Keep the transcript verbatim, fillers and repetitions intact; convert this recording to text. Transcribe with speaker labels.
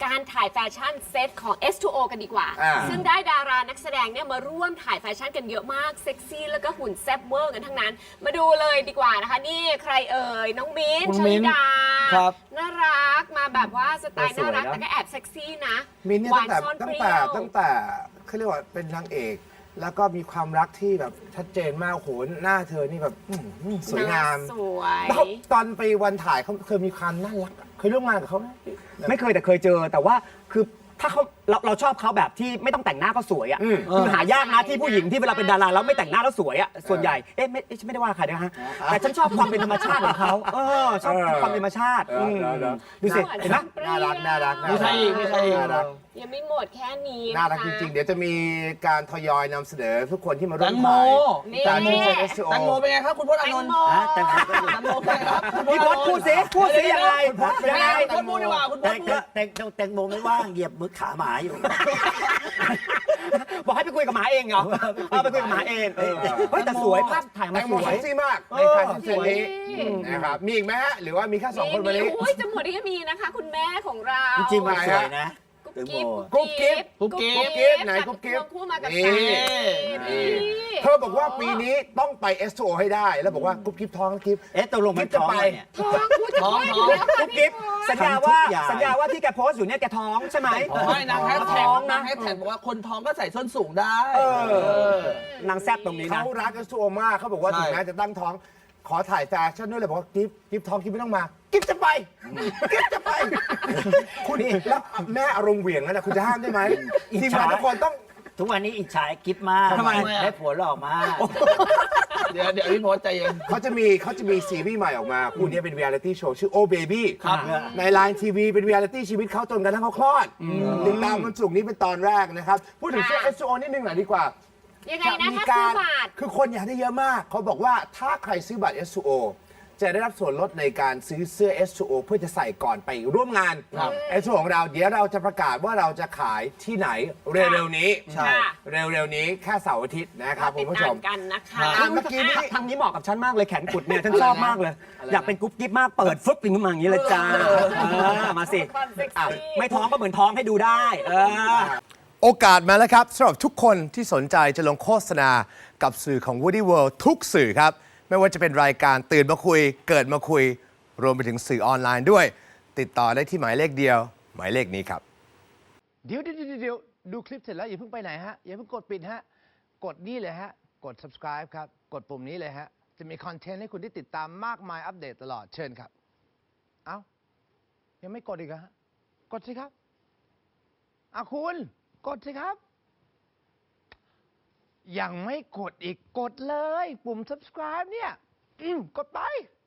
Speaker 1: การถ่ายแฟชั่นเซตของ เอส ทู โอ กันดีกว่าซึ่งได้ดารานักแสดงเนี่ยมาร่วมถ่ายแฟชั่นกันเยอะมากเซ็กซี่แล้วก็หุ่นแซ่บเวอร์กันทั้งนั้นมาดูเลยดีกว่านะคะนี่ใครเอ่ยน้องมิ้นท์ชลิดาน่ารักมาแบบว่าสไตล์น่ารักแต่ก็แอบเซ็กซี่นะ
Speaker 2: มิ้นท์เนี่ยตั้งแต่ตั้งแต่ตั้งแต่เขาเรียกว่าเป็นนางเอกแล้วก็มีความรักที่แบบชัดเจนมากโหหน้าเธอนี่แบบสวยงาม
Speaker 1: สวย
Speaker 2: ตอนไปวันถ่ายเขาเคยมีความน่ารักเคยร่วมงานกับเขาไหม
Speaker 3: ไม่เคยแต่เคยเจอแต่ว่าคือถ้าเขาเราเราชอบเขาแบบที่ไม่ต้องแต่งหน้าก็สวยอ่ะคือหายากนะที่ผู้หญิงที่เวลาเป็นดาราแล้วไม่แต่งหน้าแล้วสวยอ่ะส่วนใหญ่เอ๊ะไม่ไม่ได้ว่าใครนะฮะแต่ฉันชอบความเป็นธรรมชาติของเขาเออชอบความเป็นธรรมชาติดูสิเห็นไหม
Speaker 2: น่ารักน่ารัก
Speaker 4: ไม่ใช่ไม่ใช่
Speaker 2: น่ารัก
Speaker 1: ยังไม่หมดแค่นี้
Speaker 2: น่ารักจริงๆเดี๋ยวจะมีการทยอยนำเสนอทุกคนที่มาร่วม
Speaker 4: ถ่าย
Speaker 2: การที่เซ็น เอส ทู โอ
Speaker 4: แตงโมเป็นไงครับคุณพจน์อานนท์
Speaker 3: แตงโม
Speaker 4: แตงโมเป็นไงครับ
Speaker 3: พี่พจน์พูดสิพูดสิยังไงยังไง
Speaker 4: คุณพจน์พูดดีกว่าคุณพจน์พูด
Speaker 5: แตงแตงโมไม่ว่างเหยียบมือขาหมาอยู่
Speaker 3: บอกให้ไปคุยกับหมาเองเหรอเอาไปคุยกับหมาเองเฮ้ยแต่สวยภาพถ่ายมาสวย
Speaker 2: เซ็กซี่มากในการเซ็นนี้นะครับมีอีกไหมฮะหรือว่ามีแค่สองคนวันนี้
Speaker 1: โอ้ยจะหมดที่มีนะคะคุณแม่ของเรา
Speaker 5: จริงๆมันสวยนะ
Speaker 1: กุ๊กกิ๊บ
Speaker 2: กุ๊กกิ๊บกุ๊กกิ๊บไหนกุ๊กกิ๊บ
Speaker 1: คู่มากับ
Speaker 2: นี่เธอบอกว่าปีนี้ต้องไป เอส ทู โอ ให้ได้แล้วบอกว่ากุ๊กกิ๊บท้องกิ๊บ
Speaker 5: เอ๊ะตกลงมันท้องเนี่ย
Speaker 1: ท้องพูดจะท้อง
Speaker 3: กุ๊กกิ๊บสัญญาว่าสัญญาว่าที่แกโพสต์อยู่เนี่ยแกท้องใช่ไหม
Speaker 4: ไม่นางแฮชแท็กนางแฮชแท็กบอกว่าคนท้องก็ใส่ส้นสูงได้
Speaker 3: นางแซ่บตรงนี้นะ
Speaker 2: เขารัก เอส ทู โอ มากเขาบอกว่าถึงแม้จะตั้งท้องขอถ่ายแฟชั่นด้วยเลยบอกว่ากิ๊บกิ๊บท้องกิ๊บไม่ต้องมากิ๊บจะไปกิ๊บจะไปคุณแล้วแม่อารมณ์เหวี่ยงนั่นแหละคุณจะห้ามได้ไหมทีมงานทุกคนต้อง
Speaker 5: ทุกวันนี้อิจฉากิ๊บมาก
Speaker 3: ทำไม
Speaker 5: ได้ผัวหล่อมาก
Speaker 4: เดี๋ยวเดี๋ยวพี่พจน์ใจเย็น
Speaker 2: เขาจะมีเขาจะมีซีรีส์ใหม่ออกมาคู่นี้เป็นเรียลิตี้โชว์ชื่อโอเบบี้ในไลน์ทีวีเป็นเรียลิตี้ชีวิตเขาจนกระทั่งเขาคลอดติดตามวันศุกร์นี้เป็นตอนแรกนะครับพูดถึงชื่อ เอส ทู โอ นิดนึงหน่อยดีกว่า
Speaker 1: ยังไงนะถ้าซื้อบัตร
Speaker 2: คือคนอยากได้เยอะมากเขาบอกว่าถ้าใครซื้อบัตร เอส ทู โอ จะได้รับส่วนลดในการซื้อเสื้อ เอส ทู โอ เพื่อจะใส่ก่อนไปร่วมงาน เอส ทู โอ ของเราเดี๋ยวเราจะประกาศว่าเราจะขายที่ไหนเร็วๆนี้
Speaker 1: ใช่
Speaker 2: เร็วๆนี้แค่เสาร์อาทิตย์นะครับคุณผู้ชม
Speaker 1: กันนะคะ
Speaker 3: เมื่อกี้นี้ทางนี้เหมาะกับฉันมากเลยแขนกุดเนี่ยฉันชอบมากเลยอยากเป็นกุ๊บกิ๊บมากเปิดฟึ๊บขึ้นมาอย่างนี้เลยจ้ามาสิไม่ท้องก็เหมือนท้องให้ดูได้
Speaker 2: โอกาสมาแล้วครับสำหรับทุกคนที่สนใจจะลงโฆษณากับสื่อของ Woody World ทุกสื่อครับไม่ว่าจะเป็นรายการตื่นมาคุยเกิดมาคุยรวมไปถึงสื่อออนไลน์ด้วยติดต่อได้ที่หมายเลขเดียวหมายเลขนี้ครับ
Speaker 6: เดี๋ยวเดี๋ยวเดี๋ยวดูคลิปเสร็จแล้วอย่าเพิ่งไปไหนฮะอย่าเพิ่งกดปิดฮะกดนี่เลยฮะกด subscribe ครับกดปุ่มนี้เลยฮะจะมีคอนเทนต์ให้คุณได้ติดตามมากมายอัปเดตตลอดเชิญครับเอ้ายังไม่กดอีกฮะกดสิครับอ่ะคุณกดสิครับยังไม่กดอีกกดเลยปุ่ม subscribe เนี่ยอืมกดไป